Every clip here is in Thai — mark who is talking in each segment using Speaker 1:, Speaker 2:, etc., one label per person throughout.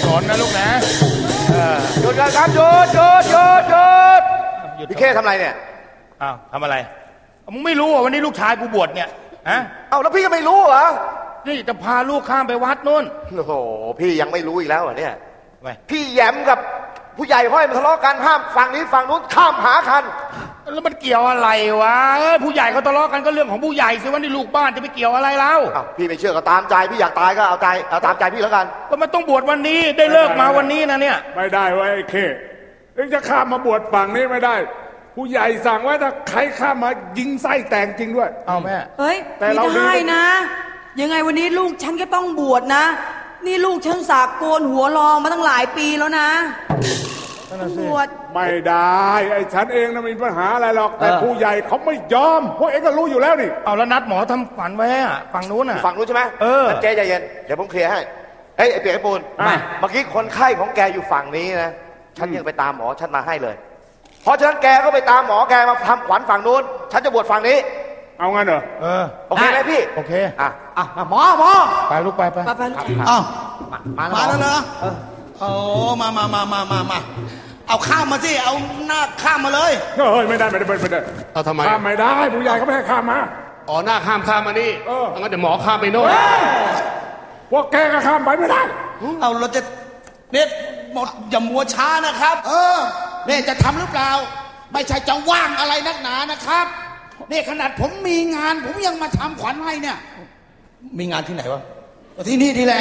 Speaker 1: สนนะลูกนะ
Speaker 2: หยุดกันครับหยุดพี่เข้ทำอะไรเนี่ย
Speaker 1: อ้าวทำอะไรมึงไม่รู้ว่าวันนี้ลูกชายกูบวชเนี่ยฮะ
Speaker 2: เอาแล้วพี่ก็ไม่รู้เหรอ
Speaker 1: นี่จะพาลูกข้ามไปวัดนู่น
Speaker 2: โอ้โหพี่ยังไม่รู้อีกแล้วเหรอเนี่ยพี่แย้มกับผู้ใหญ่พ่อยมันทะเลาะกันห้ามฝั่งนี้ฝั่งนู้นข้ามหาคัน
Speaker 1: แล้วมันเกี่ยวอะไรวะผู้ใหญ่เขาทะเลาะกันก็เรื่องของผู้ใหญ่สิวันนี้ลูกบ้านจะไปเกี่ยวอะไรเล่า
Speaker 2: พี่ไม่เชื่อก็ตามใจพี่อยากตายก็เอาตามใจพี่แล้วกัน
Speaker 1: ก็มันต้องบวชวันนี้ได้เลิกมาวันนี้นะเนี่ย
Speaker 3: ไม่ได้ไว้ไอ้เข้เอ็งจะข้ามมาบวชฝั่งนี้ไม่ได้ผู้ใหญ่สั่งไว้ถ้าใครข้ามมายิงไส้แตกจริงด้วย
Speaker 1: เอาแม่
Speaker 4: เฮ้ยไม่ได้นะยังไงวันนี้ลูกฉันก็ต้องบวชนะนี่ลูกฉันสากโกนหัวรอมาตั้งหลายปีแล้วนะบวช
Speaker 3: ไม่ได้ไอ้ฉันเองนะมีปัญหาอะไรหรอกแต่ผู้ใหญ่เขาไม่ยอมพวกเองก็รู้อยู่แล้วนี่
Speaker 1: เอาแล้วนัดหมอทำฝันไว้อะฝั่งนู้น
Speaker 2: ใช่ไหมเจ๊ใจเย็นเดี๋ยวผมเคลียร์ให้ไอ้เปียกไอ้ปูนเมื่อกี้คนไข้ของแกอยู่ฝั่งนี้นะฉันยังไปตามหมอฉันมาให้เลยเพราะฉะนั้นแกก็ไปตามหมอแกมาทำขวัญฝั่งนู้นฉันจะบวชฝั่งนี้
Speaker 3: เอางั้นเหรอ
Speaker 2: โอเคไหมพี่
Speaker 1: โอเค
Speaker 5: หมอ
Speaker 1: ไปลูกไป
Speaker 5: มาแล้วเหรอโอ้มาเอาข้ามมาสิเอาหน้าข้ามมาเลย
Speaker 3: เฮ้ยไม่ได้
Speaker 5: เอาทำไม
Speaker 3: ข้ามไม่ได้ผู้ใหญ่เขาไม่ให้ข้ามมา
Speaker 5: หน้าข้ามมานี่งั้นเดี๋ยวหมอข้ามไปโน่น
Speaker 3: พวกแกก็ข้ามไปไม่ได้
Speaker 5: เอาเราจะเนี่ยหมดอย่ามัวช้านะครับเนี่ยจะทำหรือเปล่าไม่ใช่จะว่างอะไรนักหนานะครับเนี่ยขนาดผมมีงานผมยังมาทำขวัญให้เนี่ยมีงานที่ไหนวะที่นี่แหละ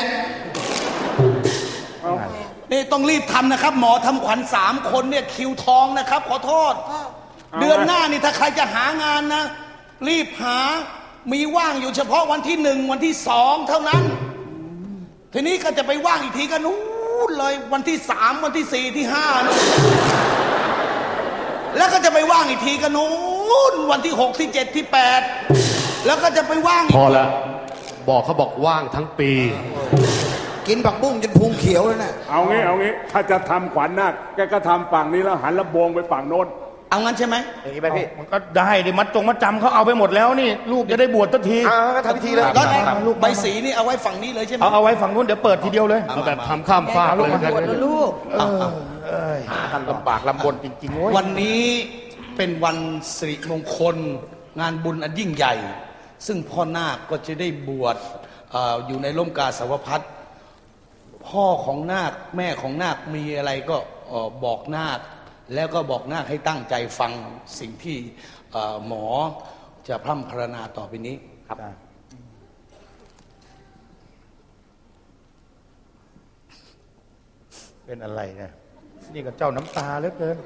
Speaker 5: นี่ต้องรีบทำนะครับหมอทำขวัญ3 คนเนี่ยคิวทองนะครับขอโทษเดือนหน้านี่ถ้าใครจะหางานนะรีบหามีว่างอยู่เฉพาะวันที่ 1วันที่ 2เท่านั้นทีนี้ก็จะไปว่างอีกทีก็นู้นเลยวันที่ 3วันที่ 4ที่5นู่นแล้วก็จะไปว่างอีกทีก็นู้นวันที่6ที่7ที่8แล้วก็จะไปว่าง
Speaker 6: พอแล้วเขาบอกว่างทั้งปี
Speaker 5: กินผักบุ้งจนพุงเขียวเลยนะ
Speaker 3: เอางี้ถ้าจะทำขวัญนาคแกก็ทำฝั่งนี้แล้วหันลำโพงไปฝั่งโน้น
Speaker 5: เอางั้นใช่ไหม
Speaker 2: อย่างนี้ไหมพี่
Speaker 1: มันก็ได้ดิมัดจำเขาเอาไปหมดแล้วนี่ลูกจะได้บวชสักที
Speaker 2: ก็ทำพิธีเลย
Speaker 5: ลูกใบสีนี่เอาไว้ฝั่งนี้เลยใช่ไหม
Speaker 1: เอาไว้ฝั่งนู้นเดี๋ยวเปิดทีเดียวเลย
Speaker 6: เอาแบบทำข้ามฟากเลย
Speaker 4: ลูก
Speaker 1: ท่านลำบากลำบนจริงๆ
Speaker 5: วันนี้เป็นวันสิริมงคลงานบุญอันยิ่งใหญ่ซึ่งพ่อนาคก็จะได้บวชอยู่ในร่มกาสาวพัสต์พ่อของนาคแม่ของนาคมีอะไรก็บอกนาคแล้วก็บอกนาคให้ตั้งใจฟังสิ่งที่หมอจะพร่ำพรรณนาต่อไปนี้ครับ
Speaker 1: เป็นอะไรเนี่ยนี่ก็เจ้าน้ำตาเหลือเกิน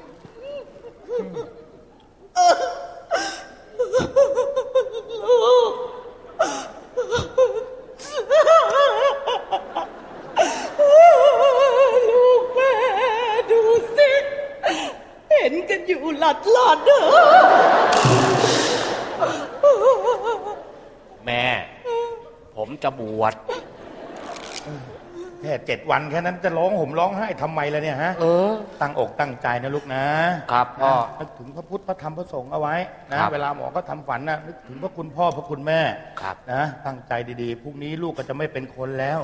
Speaker 4: ลูกแม่ดูสิเห็นกันอยู่หลัดเด้อ
Speaker 1: แม่ผมจะบวชแค่7 วันแค่นั้นจะร้องห่มร้องไห้ทำไมล่ะเนี่ยฮะตั้งอกตั้งใจนะลูกนะครับพ่อนึกถึงพระพุทธพระธรรมพระสงฆ์เอาไว้นะเวลาหมอก็ทำฝันนะนึกถึงพระคุณพ่อพระคุณแม่นะตั้งใจดีๆพรุ่งนี้ลูกก็จะไม่เป็นคนแล้ว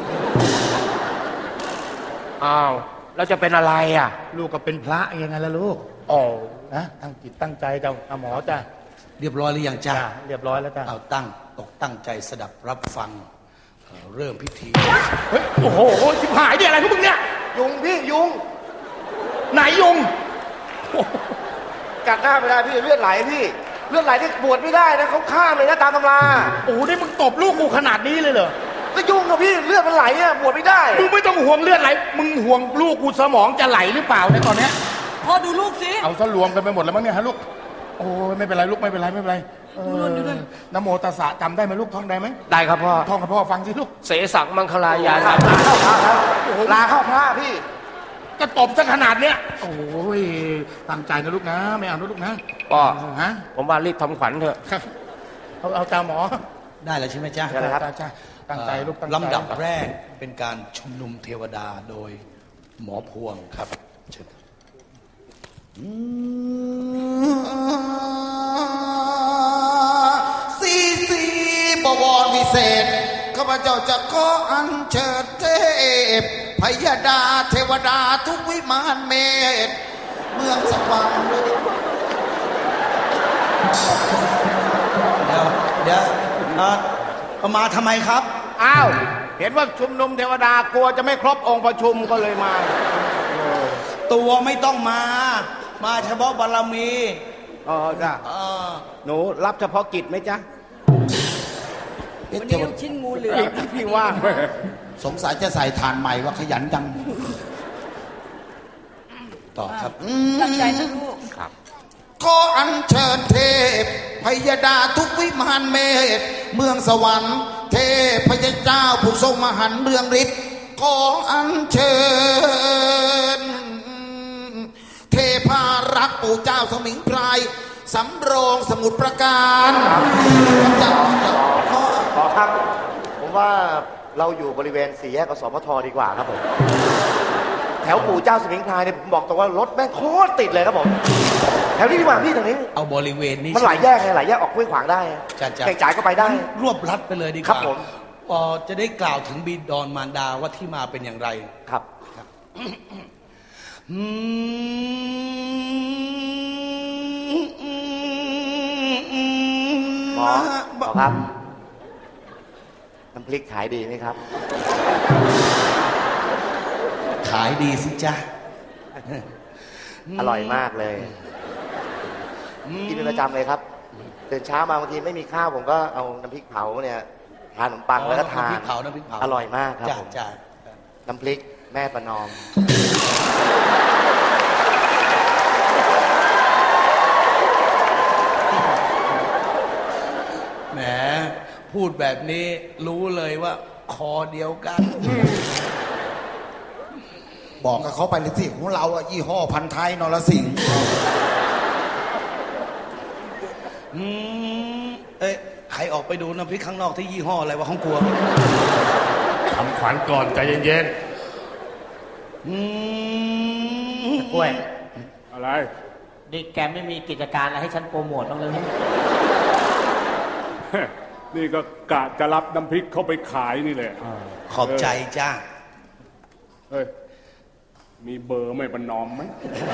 Speaker 2: อ้าวแล้วจะเป็นอะไรอ่ะ
Speaker 1: ลูกก็เป็นพระยังไงล่ะลูกนะตั้งจิตตั้งใจจะหมอจ้ะ
Speaker 5: เรียบร้อยหรือยังจ้า
Speaker 1: เรียบร้อยแล้วจ้ะ
Speaker 5: เอาตั้งใจสดับรับฟังเริ่มพิธี
Speaker 1: เฮ้ยโอ้โหชิบหายดิอะไรพวกมึงเนี่ย
Speaker 2: ยุงพี่ยุง
Speaker 1: ไหนยุง
Speaker 2: กัดหน้าไม่ได้พี่เลือดไหลพี่เลือดไหลที่บวชไม่ได้นะเขาฆ่าเลยนะตามตำรา
Speaker 1: โอ้โหนี่มึงตบลูกกูขนาดนี้เลยเหรอ
Speaker 2: ก็ยุงกับพี่เลือดมันไหลอ่ะบวชไม่ได้
Speaker 1: มึงไม่ต้องห่วงเลือดไหลมึงห่วงลูกกูสมองจะไหลหรือเปล่าในตอนเนี้ย
Speaker 4: พ่อดูลูกสิ
Speaker 1: เอาซะรวมกันไปหมดแล้วมั้งเนี่ยฮะลูกโอ้ยไม่เป็นไรลูกไม่เป็นไรนะโมตัสสะจำได้ไหมลูกท่องได้ไหม
Speaker 2: ได้ครับพ่อ
Speaker 1: ท่องกับพ่อฟังสิลูก
Speaker 2: เสสังมังคลายานลาเข้าพระพี่
Speaker 1: ก็ตบซะขนาดเนี้ยโอ้ยตั้งใจนะลูกนะไม่เอานะลูกนะ
Speaker 2: พ่อฮะผมว่ารีบทำขวัญเถอะ
Speaker 1: เอาจ้าหมอ
Speaker 5: ได้แล้วใช่ไหมจ๊ะ
Speaker 2: ใช่ครับ
Speaker 1: ตั้งใจลูกตั้งใจ
Speaker 5: ลำดับแรกเป็นการชุมนุมเทวดาโดยหมอพวงครับเชิญสีบวรวิเศษข้าพเจ้าจะขออัญเชิญเทพ
Speaker 7: พยดาเทวดาทุกวิมานเมธเมืองสวรรค์
Speaker 5: เดี๋ยวเอามาทำไมครับ
Speaker 8: อ้าวเห็นว่าชุมนุมเทวดากลัวจะไม่ครบองค์ประชุมก็เลยมา
Speaker 5: ตัวไม่ต้องมา มาเฉพาะบารมี
Speaker 8: อ๋อจ้ะหนูรับเฉพาะกิจไหมจ๊ะ
Speaker 4: วันนี้ลูกชิ้นงูเหลือม
Speaker 8: พี่ว่าง
Speaker 7: สงสัยจะใส่ฐานใหม่ว่าขยันจัง
Speaker 5: ต่อครับ
Speaker 4: ตั้งใจนะลูก
Speaker 7: ขออัญเชิญเทพพยดาทุกวิมานเมธเมืองสวรรค์เทพพยเจ้าผู้ทรงมหันต์เรืองฤทธิ์ขออัญเชิญเทพารักษ์ปู่เจ้าสมิงพรายสำโรงสมุทรปราการ
Speaker 2: ขอครับผมว่าเราอยู่บริเวณสี่แยกกสมทดีกว่าครับผมแถวปู่เจ้าสมิงพรายเนี่ยผมบอกตรงว่ารถแม่งโคตรติดเลยครับผมแถวนี้ดีกว่าพี่ตรงนี้
Speaker 5: เอาบริเวณนี้
Speaker 2: มันหลายแยกไงหลายแยกออกห้วยขวางได้แก่งจ่ายก็ไปได้
Speaker 5: รวบรัดไปเลยดีกว่า
Speaker 2: ครับผม
Speaker 5: จะได้กล่าวถึงบิดรมารดาว่าที่มาเป็นอย่างไร
Speaker 2: ครับหมอครับน้ำพริกขายดีไหมครับ
Speaker 5: ขายดีสิจ๊ะ
Speaker 2: อร่อยมากเลยกินเป็นประจำเลยครับตื่นเช้ามาบางทีไม่มีข้าวผมก็เอาน้ำพริกเผาเนี่ยทานขนมปังแล้วก็ทาน
Speaker 5: น้ำพริกเผาน้ำพริกเผา
Speaker 2: อร่อยมากครับ
Speaker 5: จ้ะ
Speaker 2: ผม
Speaker 5: จ้ะ
Speaker 2: น้ำพริกแม่ประนอม
Speaker 5: แหมพูดแบบนี้รู้เลยว่าคอเดียวกัน
Speaker 7: บอกกับเขาไปเลยสิของเราอะยี่ห้อพันท้ายนรสิงห์
Speaker 5: ใครออกไปดูน้ำพริกข้างนอกที่ยี่ห้ออะไรวะของกลัว
Speaker 6: ทำขวัญก่อนใจเย็น
Speaker 9: กล้วย
Speaker 3: อะไร
Speaker 9: นี่แกไม่มีกิจการอะไรให้ฉันโปรโมทบ้างเลย
Speaker 3: นี่ก็กะจะรับน้ำพริกเข้าไปขายนี่แหละ
Speaker 5: ขอบใจจ้า
Speaker 3: เฮ้ย มีเบอร์ไม่ประนอมไหม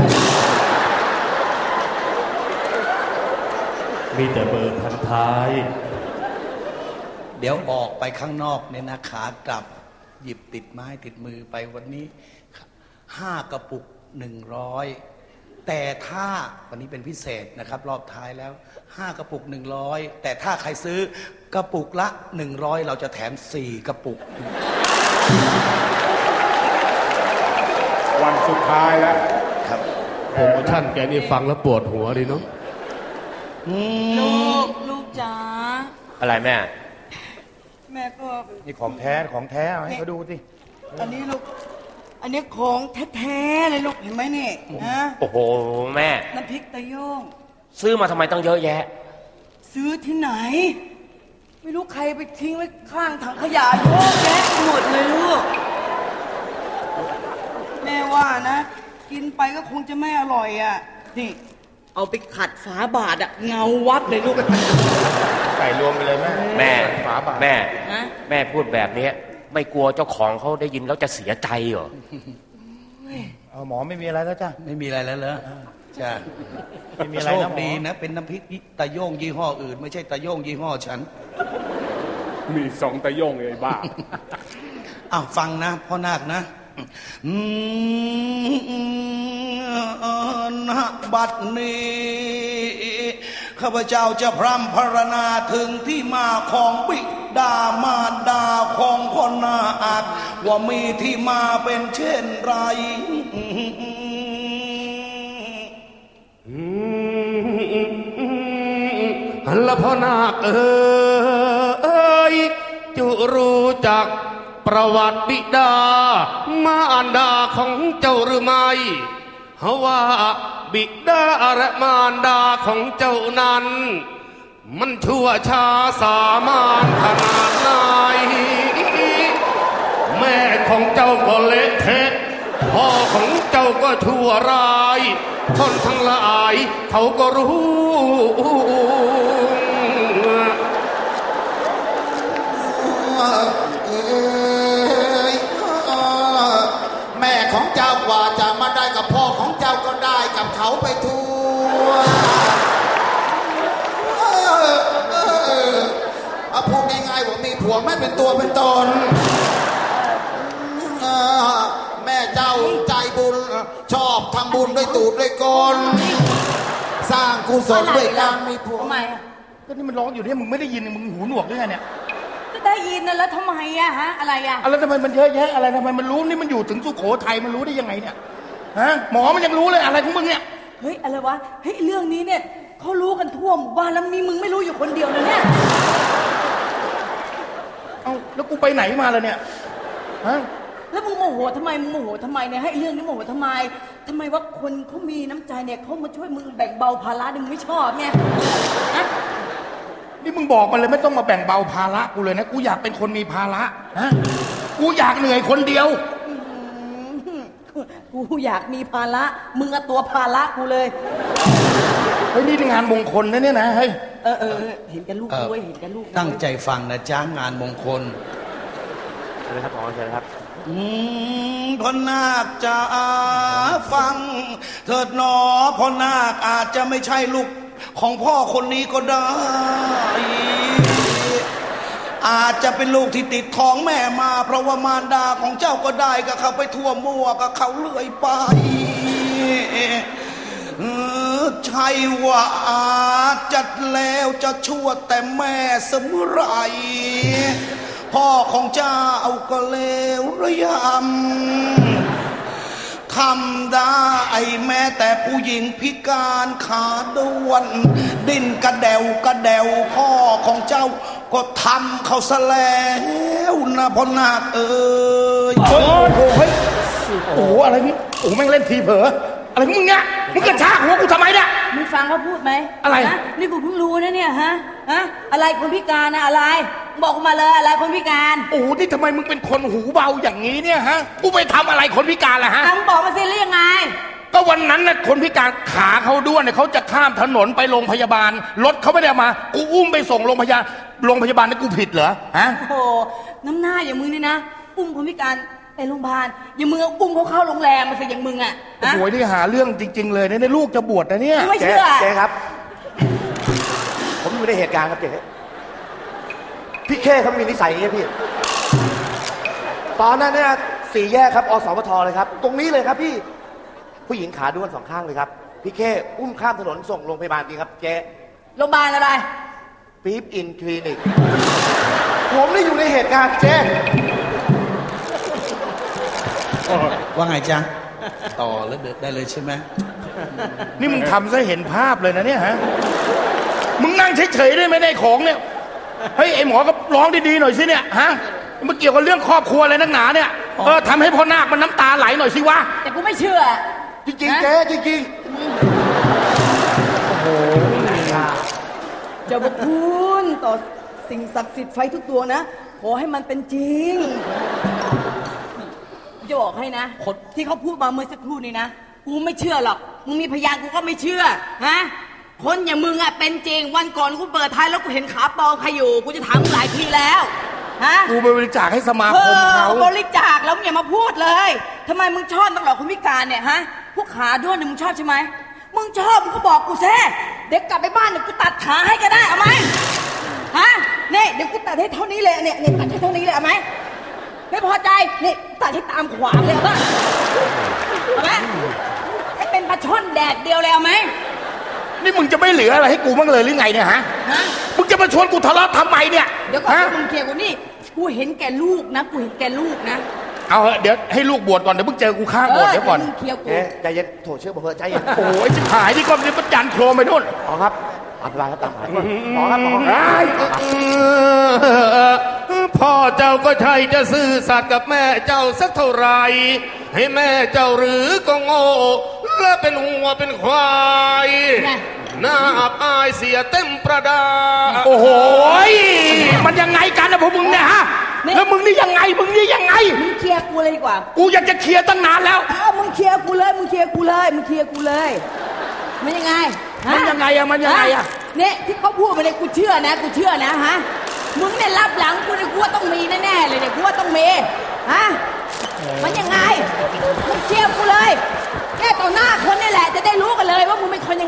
Speaker 6: ๆ มีแต่เบอร์พันท้าย
Speaker 5: เดี๋ยวออกไปข้างนอกเนี่ยนะขากลับ หยิบติดไม้ติดมือไปวันนี้5 กระปุก 100 แต่ถ้าวันนี้เป็นพิเศษนะครับ รอบท้ายแล้ว5 กระปุก 100แต่ถ้าใครซื้อกระปุกละ100เราจะแถม4 กระปุก
Speaker 3: วันสุดท้ายแล้ว
Speaker 5: ครับ
Speaker 6: โปรโมชั่นแกนี่ฟังแล้วปวดหัวดีเนาะ
Speaker 4: ลูกจ๋า
Speaker 8: อะไรแม่
Speaker 4: แม่ก็
Speaker 1: นี่ของแท้ของแท้เอาให้เขาดูสิ
Speaker 4: อันนี้ลูก อันนี้ของแท้ๆเลยลูกเห็นไหมนี่นะ
Speaker 8: โอ้โหแม่
Speaker 4: น้ำพริกตะโยง
Speaker 8: ซื้อมาทำไมต้องเยอะแยะ
Speaker 4: ซื้อที่ไหน ไม่รู้ใครไปทิ้งไว้ข้างถังขยะเยอะแยะไปหมดเลยลูก แม่ว่านะ กินไปก็คงจะไม่อร่อยอ่ะ นี่ เอาไปขัดฝาบาทอ่ะเงาวับเลยลูก
Speaker 1: ใส่รวมไปเลยแม่
Speaker 8: แม่
Speaker 1: ฝาบาท
Speaker 8: แม่
Speaker 4: ฮะ
Speaker 8: แม่พูดแบบนี้ไม่กลัวเจ้าของเขาได้ยินแล้วจะเสียใจเหรอ
Speaker 1: เอาหมอไม่มีอะไรแล้วจ้ะ
Speaker 5: ไม่มีอะไรแล้วเหรอจ้า
Speaker 1: ไม่มีอะไร
Speaker 5: โช
Speaker 1: นะ
Speaker 5: ค
Speaker 1: หมอ
Speaker 5: ดีนะ เป็นน้ำพริกตะโยงยี่ห้ออื่น ไม่ใช่ตะโยงยี่ห้อฉัน
Speaker 3: มี2 ตะโยงไอ้บ้า
Speaker 5: อ้าวฟังนะพ่อนาคนะณบัดนี้ข้าพเจ้าจะพร่ำพรรณนาถึงที่มาของบิดามารดาของคนนาคว่ามีที่มาเป็นเช่นไร
Speaker 6: หันละพ่อนาคเอ้ยจุรู้จักประวัติบิดามารดาของเจ้าหรือไม่เฮาว่าบิดาและมารดาของเจ้านั้น มันชั่วช้าสามานขนาดไหนแม่ของเจ้าก็เละเทะพ่อของเจ้าก็ชั่วร้ายคนทั้งหลายเขาก็รู้
Speaker 7: ก็ได้กับเขาไปทั่วพูดง่ายๆว่ามีผัวไม่เป็นตัวเป็นตนแม่เจ้าใจบุญชอบทำบุญด้วยตูดด้วยกลสร้างกุศลด้วยการมีผัว
Speaker 4: ทำไมอะ
Speaker 1: ก็นี่มันร้องอยู่เนี่ยมึงไม่ได้ยินมึงหูหนวกหรือไงเนี่ย
Speaker 4: ก็ได้ยินนะแล้วทำไมอะฮะอะไรอะ
Speaker 1: อะไรทำไมมันเยอะแยะอะไรทำไมมันรู้นี่มันอยู่ถึงสุโขทัยมันรู้ได้ยังไงเนี่ยฮะหมอมันยังรู้เลยอะไรของมึงเนี่ย
Speaker 4: เฮ้ยอะไรวะเฮ้ยเรื่องนี้เนี่ยเขารู้กันทั่วหมู่บ้านแล้วมีมึงไม่รู้อยู่คนเดียวนะเนี่ย
Speaker 1: เอ้าแล้วกูไปไหนมาล่ะเนี่ยฮะ
Speaker 4: แล้วมึงโมโหทำไมมึงโมโหทำไมเนี่ยให้เรื่องนี้โมโหทำไมว่าคนเขามีน้ำใจเนี่ยเขามาช่วยมึงแบ่งเบาภาระมึงไม่ชอบเนี่ยฮะ
Speaker 1: นี่มึงบอกมันเลยไม่ต้องมาแบ่งเบาภาระกูเลยนะกูอยากเป็นคนมีภาระฮะกูอยากเหนื่อยคนเดียว
Speaker 4: กูอยากมีภาระมึงอะตัวภาระกูเลย
Speaker 1: เฮ้ยนี่งานมงคลนะเนี่ยนะเฮ้ย
Speaker 4: เห็นกันลูกด้วยเห็นกันลูก
Speaker 5: ตั้งใจฟังนะจ้างานมงคล
Speaker 2: เชิญครับหมอเชิญครับ
Speaker 5: พ่อนาคจะฟังเถิดหนอพ่อนาคอาจจะไม่ใช่ลูกของพ่อคนนี้ก็ได้ อาจจะเป็นลูกที่ติดท้องแม่มาเพราะว่ามารดาของเจ้าก็ได้กับเขาไปทั่วมั่วกับเขาเลื่อยไปใช่ว่าอาจจะแล้วจะชั่วแต่แม่เสมอไรพ่อของเจ้าก็เลวระยำทำได้แม้แต่ผู้หญิงพิการขาด้วนดิ้นกระเดวกระเดวพ่อของเจ้าก็ทำเขาซะแล้วนะพ่อนาคเอ้ย
Speaker 1: โอ้โหเฮ้ยโอ้โหอะไรนี่โอ้โหแม่งเล่นทีเผลออะไรของมึงเนี่ยมึงกระชากหัวกูทำไมเนี่ย
Speaker 4: มึงฟังเขาพูดไหม
Speaker 1: อะไร
Speaker 4: นะนี่กูเพิ่งรู้นะเนี่ยฮะอะไรคนพิการนะอะไรบอกมาเลยอะไรคนพิการ
Speaker 1: โอ้โหนี่ทำไมมึงเป็นคนหูเบาอย่างนี้เนี่ยฮะกูไปทำอะไรคนพิการล่ะฮะ
Speaker 4: มึงบอกมาสิแล้วยังไง
Speaker 1: ก็วันนั้นน่ะคนพิการขาเขาด้วนเนี่ยเขาจะข้ามถนนไปโรงพยาบาลรถเขาไม่ได้เอามากูอุ้มไปส่งโรงพยาบาลนี่กูผิดเหรอฮะ
Speaker 4: โอ้โหน้ำหน้าอย่างมึงนี่นะอุ้มคนพิการไปโรงพยาบาลอย่างมึงอุ้มเขาเข้าโรงแรมมาสิอย่างมึงอ่ะ
Speaker 1: โอ้โหนี่หาเรื่องจริงๆเลยเนี่ยลูกจะบวชนะเนี่ย
Speaker 4: ไม่เชื่อ
Speaker 2: เจ๊ครับ ผมอยู่ในเหตุการณ์ครับเจ๊พี่เข้เขามีนิสัยอย่างนี้พี่ตอนนั้นเนี่ย4 แยกครับอสมทเลยครับตรงนี้เลยครับพี่ผู้หญิงขาด้วน2 ข้างเลยครับพี่เข้อุ้มข้ามถนนส่งโรงพยาบาลจริงครับเจ๊
Speaker 4: โรงพยาบาลอะไร
Speaker 2: ปี๊บอินคลินิกผมได้อยู่ในเหตุการณ์เจ๊
Speaker 5: ว่าไงจ๊ะต่อแล้วเดินได้เลยใช่ไหม
Speaker 1: นี่มึงทำซะเห็นภาพเลยนะเนี่ยฮะมึงนั่งเฉยๆได้ไหมในของเนี่ยเฮ้ยไอหมอก็ร้องดีๆหน่อยสิเนี่ยฮะมันเกี่ยวกับเรื่องครอบครัวอะไรนักหนาเนี่ยทำให้พ่อนาคมันน้ำตาไหลหน่อยสิวะ
Speaker 4: แต่กูไม่เชื่อ
Speaker 2: จริงๆเจ๊จริง
Speaker 4: เจ้าพระคุณต่อสิ่งศักดิ์สิทธิ์ไฟทุกตัวนะขอให้มันเป็นจริงจะบอกให้นะที่เขาพูดมาเมื่อสักครู่นี้นะกูไม่เชื่อหรอกมึงมีพยานกูก็ไม่เชื่อฮะคนอย่างมึงอะเป็นจริงวันก่อนกูเปิดท้ายแล้วกูเห็นขาปลอมใครอยู่กูจะถามมึงหลายทีแล้วฮะ
Speaker 1: กูไปบริจาคให้สมาคมเขา
Speaker 4: บริจาคแล้วมึงอย่ามาพูดเลยทำไมมึงชอบนักหรอคนพิการเนี่ยฮะพวกขาด้วนเนี่ยมึงชอบใช่ไหมมึงชอบมึงก็บอกกูแซ่เด็กกลับไปบ้านเนี่ยกูตัดขาให้ก็ได้เอาไหมฮะเนี่ยเดี๋ยวกูตัดให้เท่านี้เลยเนี่ยตัดให้เท่านี้เลยเอาไหมไม่พอใจนี่ตัดให้ตามขวางเลยเอาป่ะเอาไหมให้เป็นปลาช่อนแดดเดียวเลยเอาไหม
Speaker 1: นี่มึงจะไม่เหลืออะไรให้กูบ้างเลยหรือไงเนี่ยฮะมึงจะมาชวนกูทะเลาะทำไมเนี่ย
Speaker 4: เดี๋ยวก่อนมึงเคลียร์กูนี่กูเห็นแก่ลูกนะกูเห็นแก่ลูกนะ
Speaker 1: เอาเดี๋ยวให้ลูกบวชก่อนเดี๋ยวมึงเจอกูข้างบวชเดี๋ยวก่อน
Speaker 4: เคลียร์กู
Speaker 2: ๆเจ๊ใจเย็นโถเชื่อผมเถอะใจเย็น
Speaker 1: โอ้ยจิบหายที่ก้อนนี้ประจันโครมไปนู่น
Speaker 2: หมอครับอภิบาลครับตามหาหมอครับหมอ
Speaker 6: พ่อเจ้าก็ใช่จะซื่อสัตย์กับแม่เจ้าสักเท่าไหรให้แม่เจ้าหรือก็โง่และเป็นหัวเป็นควายหน้าอับอายเสียเต็มประดา
Speaker 1: โอ้โหมันยังไงกันนะพวกมึงเนี่ยฮะแล้วมึงนี่ยังไงมึงนี่ยังไง
Speaker 4: มึงเคลียร์กูเลยดีกว่า
Speaker 1: กูอยากจะเคลียร์ตั้งนานแล้ว
Speaker 4: มึงเคลียร์กูเลยมึงเคลียร์กูเลยมึงเคลียร์กูเลยมันยังไง
Speaker 1: มันยังไงอะมันยังไงอะ
Speaker 4: เนี่ยที่เขาพูดมาเนี่ยกูเชื่อนะกูเชื่อนะฮะมึงเนี่ยรับหลังกูเนี่ยกูว่าต้องมีแน่ๆเลยเนี่ยกูว่าต้องมีฮะมันยังไงมึงเคลียร์กูเลยแค่ต่อหน้าคนนี่แหละ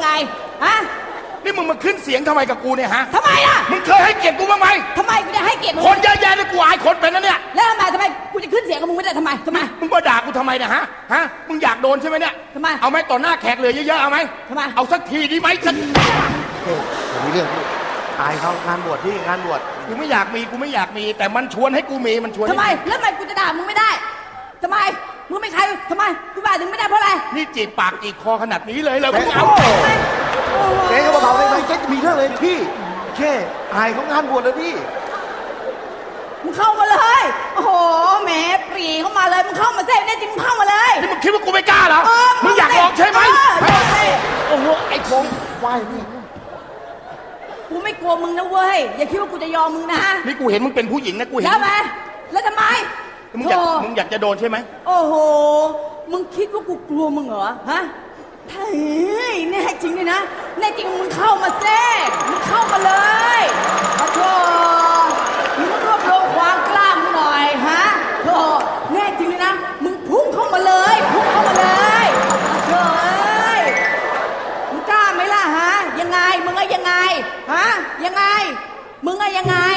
Speaker 4: ไงฮะ
Speaker 1: นี่มึงมาขึ้นเสียงทำไมกับกูเนี่ยฮะ
Speaker 4: ทำไมล่ะ
Speaker 1: มึงเคยให้เกียรติกูบ้างไหม
Speaker 4: ทำไมกูจะให้เกียรติมึง
Speaker 1: คนเยอะแยะเลยกูอายคนเป็นนะเนี่ย
Speaker 4: แล้วทำไมกูจะขึ้นเสียงกับมึงไม่ได้ทำไม
Speaker 1: มึงมาด่ากูทำไมเนี่ยฮะมึงอยากโดนใช่ไหมเนี่ย
Speaker 4: ทำไม
Speaker 1: เอาไหมต่อหน้าแขกเหลือเยอะๆเอาไหม
Speaker 4: ทำไม
Speaker 1: เอาสักทีดีไหมสัก
Speaker 2: ผมมีเรื่องอายเขางานบวชที่งานบวช
Speaker 1: กูไม่อยากมีแต่มันชวนให้กูมีมันชวนให้
Speaker 4: ทำไมแล้วทำไมกูจะด่ามึงไม่ได้ทำไมมึงไม่ใครทำไมกูด่าถึงไม่ได้เพราะอะไร
Speaker 1: นี่จีบปากจีบคอขนาดนี้เลยมึงเอา
Speaker 2: เจ๊ก็เบาๆเลยเจ๊จะมีเรื่องเลยพี่แค่อายเขางานบวชเลยพี่
Speaker 4: มึงเข้ามาเลยโอ้โหแหมปรีเข้ามาเลยมึงเข้ามาเซ่แน่จริงมึงเข้ามาเลย
Speaker 1: นี่มึงคิดว่ากูไม่กล้าเหรอ มึงอยากลองใช่ไหมโอ้โหไอ้พงไหวนี่
Speaker 4: กูไม่กลัวมึงนะเว้ยอย่าคิดว่ากูจะยอมมึงนะ
Speaker 1: นี่กูเห็นมึงเป็นผู้หญิงนะกูเห็น
Speaker 4: แล้วไหมแล้วทำไม
Speaker 1: มึงอยากจะโดนใช่ไหม
Speaker 4: โอ้โหมึงคิดว่ากูกลัวมึงเหรอฮะเฮ้ยแน่จริงเลยนะแน่จริงมึงเข้ามาเซ่มึงเข้ามาเลยโอ้โหมึงรวบรวมความกล้ามึงหน่อยฮะโธ่แน่จริงเลยนะมึงพุ่งเข้ามาเลยพุ่งเข้ามาเลยโธ่มึงกล้าไหมล่ะฮะยังไงมึงอะยังไงฮะยังไงมึงอะยังไง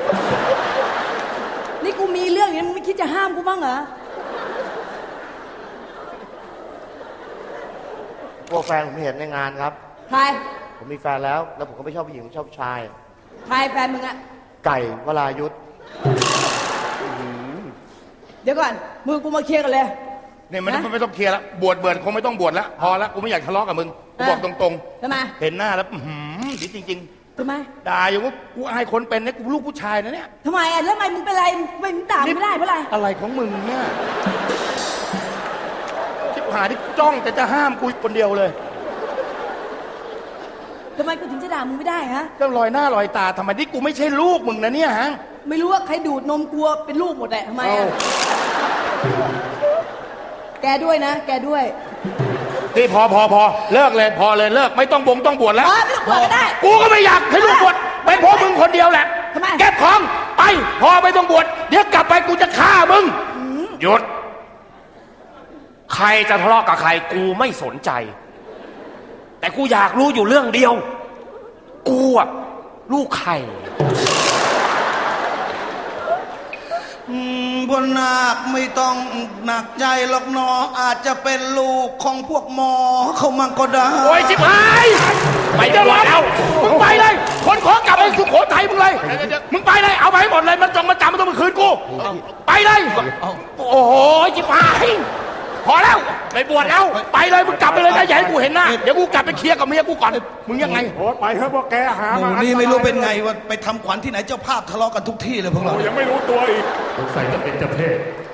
Speaker 4: นี่กูมีเรื่องอย่างนี้มึงไม่คิดจะห้ามกูบ้างเหรอ
Speaker 2: พวกแฟนผมเห็นในงานครับ
Speaker 4: ใคร
Speaker 2: ผมมีแฟนแล้วผมก็ไม่ชอบผู้หญิงชอบผู้ชาย
Speaker 4: ใครแฟนมึงอะ
Speaker 2: ไก่วรายุทธ
Speaker 4: เดี๋ยวก่อนมึงกูมาเคลียร์กันเลย
Speaker 1: เนี่ยมันไม่ต้องเคลียร์แล้วบวชเบิร์นคงไม่ต้องบวชแล้วพอแล้วกูไม่อยากทะเลาะกับมึงกูบอกตรง
Speaker 4: ทำไม
Speaker 1: ๆเห็นหน้าแล้วดีจริง
Speaker 4: ทำไม
Speaker 1: ๆด่าอยู่ว่ากูอายคนเป็นเนี่ยกูลูกผู้ชายนะเนี่ย
Speaker 4: ทำไมอะแล้วทำไมมึงเป็นไรมึงด่าไม่ได้เพราะอะไร
Speaker 1: อะไรของมึงเนี่ยชิบหายที่จ้องแต่จะห้ามกูคนเดียวเลย
Speaker 4: ทำไมกูถึงจะด่ามึงไม่ได้ฮะ
Speaker 1: ก็ลอยหน้าลอยตาทำไมนี่กูไม่ใช่ลูกมึงนะเนี่ยฮะ
Speaker 4: ไม่รู้ว่าใครดูดนมกลัวเป็นลูกหมดแหละทำไมอะแกด้วยนะ แกด้วย
Speaker 1: นี่พอเลิกเลยพอเลยเลิกไม่ต้องต้องบวชแล้ว
Speaker 4: ไม่ต้องบวชก็ได้
Speaker 1: กูก็ไม่อยากให้ลูกบวชเป็นเพราะมึงคนเดียวแหละ
Speaker 4: ทำไม
Speaker 1: เก็บของไปพอไม่ต้องบวชเดี๋ยวกลับไปกูจะฆ่ามึง
Speaker 6: หยุด ใครจะทะเลาะกับใครกูไม่สนใจ แต่กูอยากรู้อยู่เรื่องเดียว กูอะลูกใคร
Speaker 7: บนนาคไม่ต้องหนักใจหรอกเนออาจจะเป็นลูกของพวกหมอเขามันก็ได้
Speaker 1: โอ้ยชิบหายไม่จะรอแล้วมึงไปเลยคนขอกลับไปสุโขทัยมึงเลยมึงไปเลยเอาไปให้หมดเลยมันจงมาจำมันต้องมาคืนกูไปเลยโอ้โหชิบหายพอแล้วไปบวชแล้วไปเลยมึงกลับไปเลยนะอย่าให้กูเห็นหน้าเดี๋ยวกูกลับไปเคลียร์กับเมียกูก่อนมึงยังไง
Speaker 3: โอ้ไปเถอะพวกแกหา
Speaker 5: ห
Speaker 3: มา
Speaker 5: มู่นี่ไม่รู้เป็นไงว่าไปทำขวัญที่ไหนเจ้าภาพทะเลาะกันทุกที่เลยพวกเรา
Speaker 3: ยังไม่รู้ตัวอีก
Speaker 10: สงสัยจะเป็นเจ้าเพศ